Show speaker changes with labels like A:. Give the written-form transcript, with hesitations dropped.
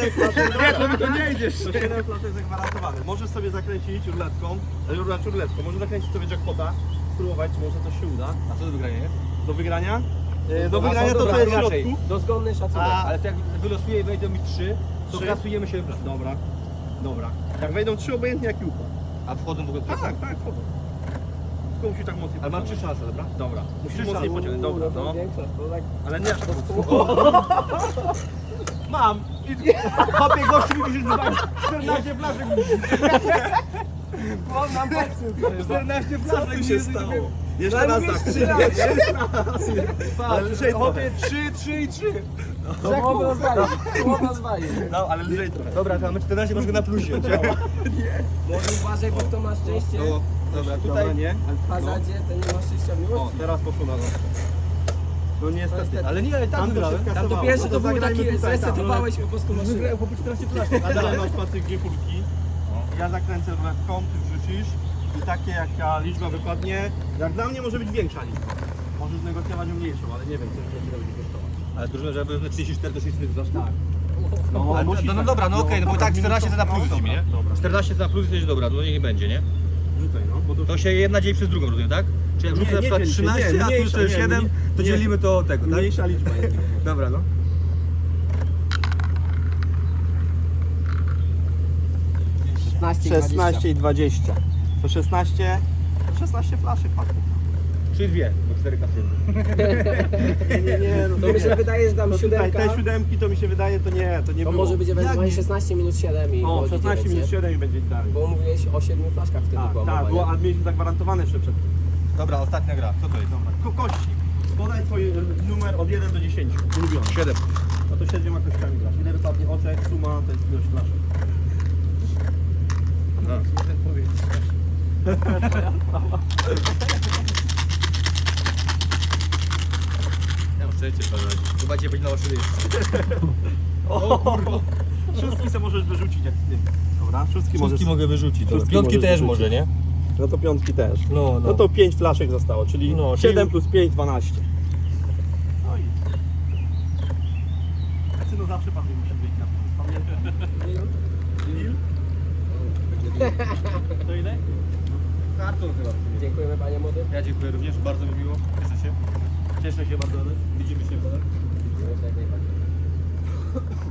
A: To nie idziesz.
B: To 7 flaszek zagwarantowane. Możesz sobie zakręcić ruletką, możesz zakręcić sobie jackpota, spróbować, czy może coś się uda.
A: A co do wygrania jest?
B: Do wygrania? Do wygrania to co jest w środku.
A: Dozgonny szacunek, ale to jak wylosuję i wejdą mi 3, to
B: 3?
A: kasujemy 7 flaszek.
B: Dobra. Jak wejdą 3 obojętnie jaki układ.
A: A wchodzą w ogóle
B: Tak, wchodzą. Tylko musisz tak mocniej
A: Ale mam
B: pociągnąć.
A: 3 szanse, dobra?
B: Dobra, musisz
A: 3
B: mocniej
A: szanse.
B: pociągnąć, dobra, no.
C: tak...
B: Ale nie aż tak
A: Mam! Chopie gościu mi musisz wywalić 14 flaszek.
C: On nam popsuł.
A: 14
B: Co
A: flaszek
B: tu się stało? Jeszcze raz zakręć. Ale lżej trochę.
A: Chopie 3 i 3.
C: Połowę rozwalił.
B: No, ale lżej trochę.
A: Dobra, to mamy 14, masz go na plusie.
C: Może uważaj, bo kto ma szczęście.
A: No, dobra,
B: Tutaj
A: tutaj
B: nie.
C: W hazadzie to nie ma szczęścia w
B: O,
C: miłości.
B: teraz poszło na nos. No niestety.
A: ale nie, ale
B: Tam
A: tam
B: to
A: wygrałem.
B: się
C: Tam to
B: skasowało.
C: pierwsze
B: No
C: to był
B: zagrajmy
C: taki,
B: tutaj,
C: zresetowałeś po prostu maszynę.
A: Wygrałem chłopie 14 flaszek.
B: A dalej masz Patryk dwie kulki. Ja zakręcę ruletką, ty wrzucisz. I takie jaka liczba wypadnie. Jak dla mnie może być większa liczba. Możesz negocjować o mniejszą, ale nie wiem, co będzie kosztować.
A: Ale drużyna, żeby 34 do 62 tak.
B: No,
A: Ale,
B: musisz
A: no
B: tak.
A: dobra, no okej, no bo
B: dobra,
A: tak 14 to na plus
B: dobra,
A: lecimy, nie?
B: Dobra,
A: 14 to na plus jest dobra, to niech będzie, nie?
B: rzucaj no. Bo
A: To się jedna dzieli przez drugą, rozumiem, tak? Czy jak
B: Nie,
A: rzucę na
B: nie
A: przykład
B: dzieli się,
A: 13,
B: nie,
A: a tu
B: mniejsza,
A: jest
B: nie,
A: 7, to
B: nie.
A: dzielimy to tego, tak?
B: mniejsza liczba jest.
A: Dobra, no.
C: 16
B: i 20. To 16 flaszek patrzę.
A: Czyli dwie, bo 4 kasyny.
B: Nie, no
C: To mi się wydaje, że tam
B: no tutaj,
C: siódemka.
B: te siódemki to mi się wydaje, to nie
C: To
B: było.
C: może być
B: Jak
C: ewentualnie
B: nie?
C: 16 minus 7 i
B: O,
C: było
B: 16
C: 9,
B: minus
C: nie?
B: 7 i będzie dalej.
C: Bo mówiłeś o 7 flaszkach wtedy była
B: Tak,
C: mowa,
B: było,
C: nie?
B: a mieliśmy zagwarantowane jeszcze przed tym.
A: Dobra, ostatnia gra. Co to jest?
B: Dobra, kości. Podaj swój numer od 1 do 10. Ulubiony.
A: 7.
B: No to 7 kościami grasz. Ile wypadnie oczek, suma, to jest ilość flaszek.
A: No. Ja mam szczęście, że chyba cię będzie na oczy
B: O kurwa. Szóstki se możesz wyrzucić jak z tym. Dobra, szóstki możesz.
A: mogę wyrzucić.
B: Szóstki
A: Piątki
B: możesz
A: też
B: wyrzucić.
A: może, nie?
B: No to piątki też.
A: No,
B: No to 5 flaszek zostało, czyli
A: No,
B: 7 plus 5, 12. No i... Synu zawsze pan musi być na pamiętam. To ile?
A: Karton chyba.
C: Dziękujemy panie młody.
A: Ja dziękuję również, bardzo mi miło. Cieszę się.
B: Cieszę się bardzo.
A: Widzimy się potem.
C: Dziękujemy jak najbardziej.